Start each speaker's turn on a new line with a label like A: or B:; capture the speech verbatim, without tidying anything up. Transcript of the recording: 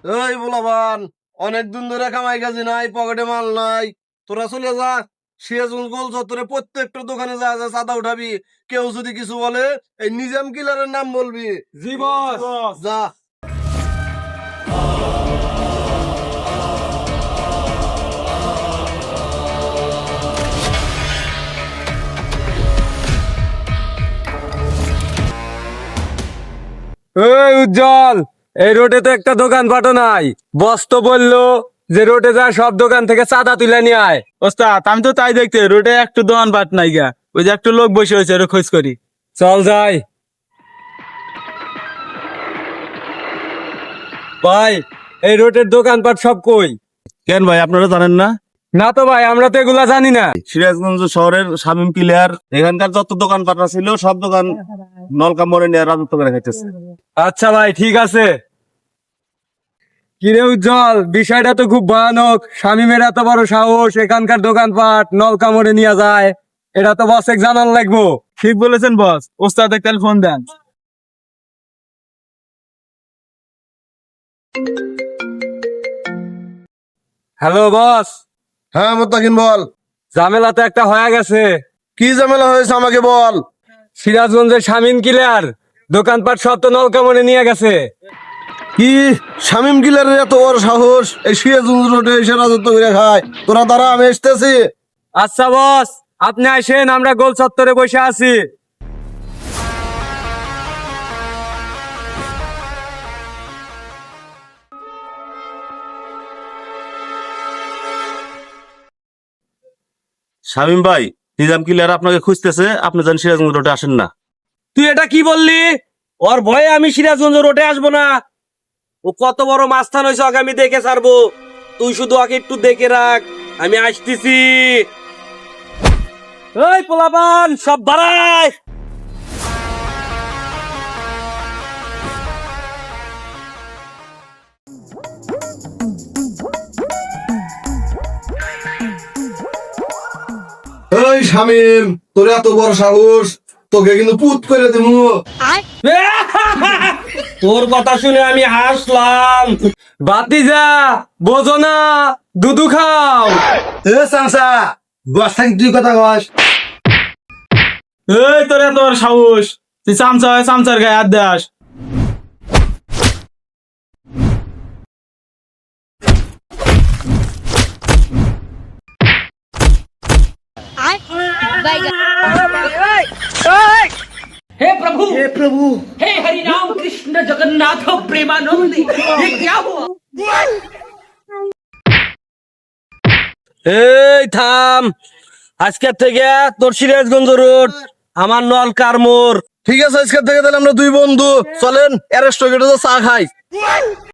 A: এই বলাবান, অনেক দিন ধরে কামাই কাজি নাই, পকেটে মাল নাই। তোরা চলে যা, সিরাজগঞ্জ গোল চত্বরে প্রত্যেকটা দোকানে যা যা চাঁদা উঠাবি। কেউ যদি কিছু বলে এই নিজাম কিলারের নাম বলবি।
B: জি বস।
A: যা।
B: এই উজ্জ্বল, এই রোডে তো একটা দোকান পাটো নাই। বস তো বললো যে রোডে যা সব দোকান থেকে চাঁদা তুলে নিয়ে আয়।
C: ওস্তাদ আমি তো তাই দেখতে রোডে একটু দোকান পাট নাই গা, ওই যে একটু লোক বসে হয়েছে ওরা খোঁজ করি।
B: চল যাই। ভাই, এই রোডের দোকানপাট সব কই?
C: কেন ভাই আপনারা জানেন না?
B: না তো ভাই, আমরা তো এগুলা জানি না।
C: সিরাজগঞ্জ শহরের শামীম ক্লিয়ার এখানকার যত দোকান পাটা ছিল সব দোকান নলকা মোড়ে নিয়ে রাজত্ব করে খাইতেছে।
B: আচ্ছা ভাই, ঠিক আছে। কিরে উজ্জ্বল, বিষয়টা তো খুব ভয়ানক। শামীমের এত বড় সাহস এখানকার দোকানপাট নলকামড়ে নিয়ে যায়, এটা তো বস এক জানান লাগবো।
C: ঠিক বলেছেন বস, ওস্তাদ একটা ফোন দেন।
B: Hello boss.
A: হ্যাঁ মোত্তাকিন বল।
B: ঝামেলা তো একটা হয়ে গেছে।
A: কি ঝামেলা হয়েছে আমাকে বল।
B: সিরাজগঞ্জের শামীম কিলার দোকানপাট সব তো নলকামড়ে নিয়ে গেছে।
A: কি, শামীম কিলারের এত বড় সাহস এই সিরাজগঞ্জ রোডে এসে রাজত্ব করে খায়? তোরা দ্বারা আমি আসতেছি।
B: আচ্ছা বস, আপনি আসেন, আমরা গোল চত্বরে বসে আছি।
C: শামীম ভাই, নিজাম ক্লিয়ার আপনাকে খুঁজতেছে, আপনি জান সিরাজগঞ্জ রোডে আসেন না।
B: তুই এটা কি বললি? ওর ভয়ে আমি সিরাজগঞ্জ রোডে আসবো না? ও কত বড় মাস্তান হয়েছে, ওকে আমি দেখে ছাড়বো। তুই শুধু ওকে একটু দেখে রাখ, আমি আসতেছি। এই পোলাপান সব দাঁড়ায়।
A: এই শামীম, তোর এত বড় সাহস, তোকে কিন্তু পুত করে দেবো।
B: তোর কথা শুনে আমি হাসলাম। বাতিজা বোঝো না, দুধু খাও।
A: এ চাচা, বস থাকি তুই কথা কস।
C: এই তোর এত বড় সাহস, তুই চামচা হয় চামচার গায়ে হাত দাস।
D: हे प्रभु हे प्रभु हे हरि राम कृष्ण जगन्नाथ प्रेमानंद, ये क्या हुआ?
B: এই থাম, আজকের থেকে তোর সিরাজগঞ্জ রোড আমার নলকার মোড়।
A: ঠিক আছে, আজকে থেকে তাহলে আমরা দুই বন্ধু চলেন অ্যারেস্ট চা খাই।